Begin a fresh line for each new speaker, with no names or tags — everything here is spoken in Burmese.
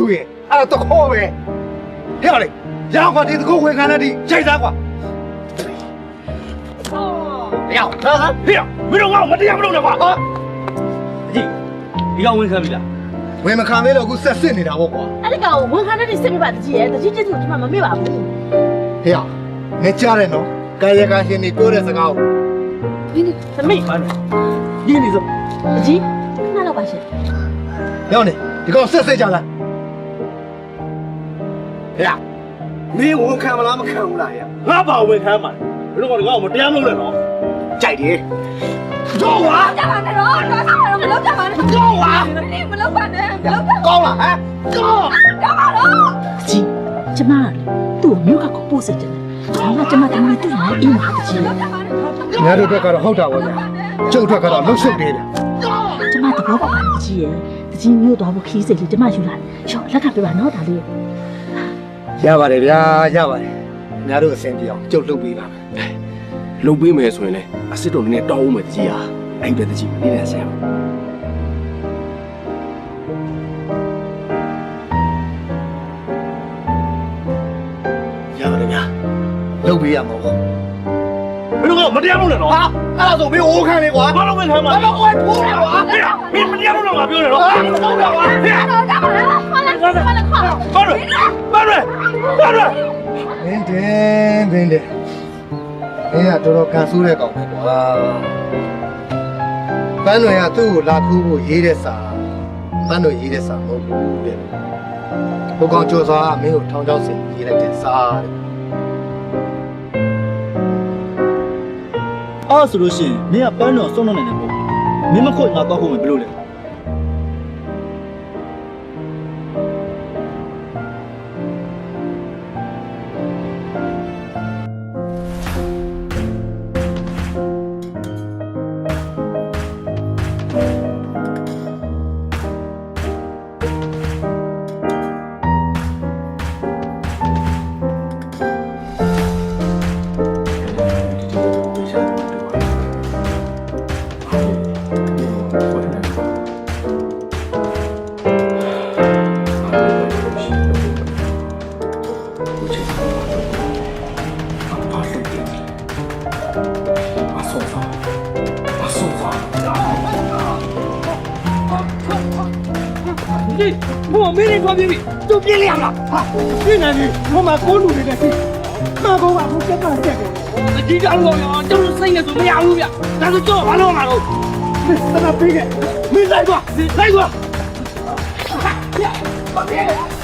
ရင်အဲ့ဒါတခေါ်ပဲဟဲ့လေရအောင်ကွာဒီတခေါ်ဝင်ခံတဲ့ဒီရိုက်သားကွာဟဲ့ဟဲ့မင်းတို့ငါ့ကိုမတရားမလုပ်နဲ့ကွာဟာ
အကြီးဒီကောင်ဝင်ခံပြီလား
ဝင်မခံသေးတော့အခုဆက်စစ်နေတာပေါ့ကွာ
အဲ့ဒီကောင်ဝန်ခံတဲ့စစ်ပြပါတကြီးရဲ့တကြီးကျေးဇူးကျွန်မမမေ့ပါဘူး
ဟဲ့နေကြတယ်နော်ကာယကရှင်နေပြောတဲ့စကားကို
သမီး
ဘာလဲရင်းနေစို့
တကြီးခဏတော့ပါရှင်
ရောက်နေဒီကောင်ဆက်စစ်ကြလားဟဲ့မင်းဝန်ခံမလားမခံဘူးလားဟဲ့
ငါဘာဝင်ခံမှာလဲဘယ်တော့ကောင်မတရားမလုပ်နဲ့နော်
ကြိုက်တယ်တော့ဝါ
ကြပါနဲ့တော့တော့ဆောင်တော့မလုပ်ကြပါနဲ့
တော့ဝါ
မလုပ်ပါနဲ့မလုပ်ပါ
ကောင်းလားဟမ်
တော့ပါတော့ကြီးကျမသူ့မြို့ကကိုပို့စစ်တယ်ငါကျမတမီးတူနေအိမ်မှာတကြီး
ညတို့အတွက်ကတော့ဟုတ်တာပါဗျာကျုပ်အတွက်ကတော့လှုပ်ရှုပ်နေတယ်
ကျမတဘောပါတကြီးရဲ့တကြီးမြို့တော်ကိုခီးစိတ်လေးကျမယူလာရောလက်ကပြပါနော်ဒါလေး
ရပါတယ်ဗျာရပါတယ်ညတို့အဆင်ပြေအောင်ကျုပ်လုပ်ပေးပါမယ်
လုံပေးမယ်ဆိုရင်လည်းအစ်စ်တော်နည်းနည်းတောင်းဦးမယ်တကြီးဟာအဲ့ဒီတကြီးမနေနဲ့ဆရာ
ရပါတယ်ဗျာလုပ်ပေးရမှာပေါ့
ဘယ်တော့မတရားလုပ်နဲ့နော်
ဟာအဲ့ဒါဆိုမင်းအိုးခံလေကွာ
ဘာလို့ဝင်ခံမှာ
ဘာလို့အိုးထိုးလဲကွာ
မင်းမတရားလုပ်တော့ငါပြောနေတော့
ဟုတ်တယ်ကွာ
တော့ကြပါလားခေါ်လိုက်ခေါ်လိုက်ခေါ်
ဘာလို့မင်း
င်းတော်တော်ကန်ဆိုးတဲ့ကောင်ပဲကွာပန်းတော်ကသူ့ကိုလာခိုးဖို့ရေးတဲ့စာပန်းတော်ရေးတဲ့စာမဟုတ်ဘူးတဲ့ဘုကောင်ကျော်စွာမင်းကိုထောင်ချောက်စင်ရေးလိုက်တဲ့စာတဲ့
အဲ့ဆိုလို့ရှိရင်မင်းကပန်းတော်ဆုံးတော့နေတယ်ပေါ့မင်းမခွတ်ငါတော့ခုမယ်ဘယ်လိုလဲ
我没人穿便衣，都变脸了。越南的，我买公路的那些，马公啊，我先把这个。我这家老呀，就是生意做不下路的，但是做完了嘛都。那个别个，没来过，来过。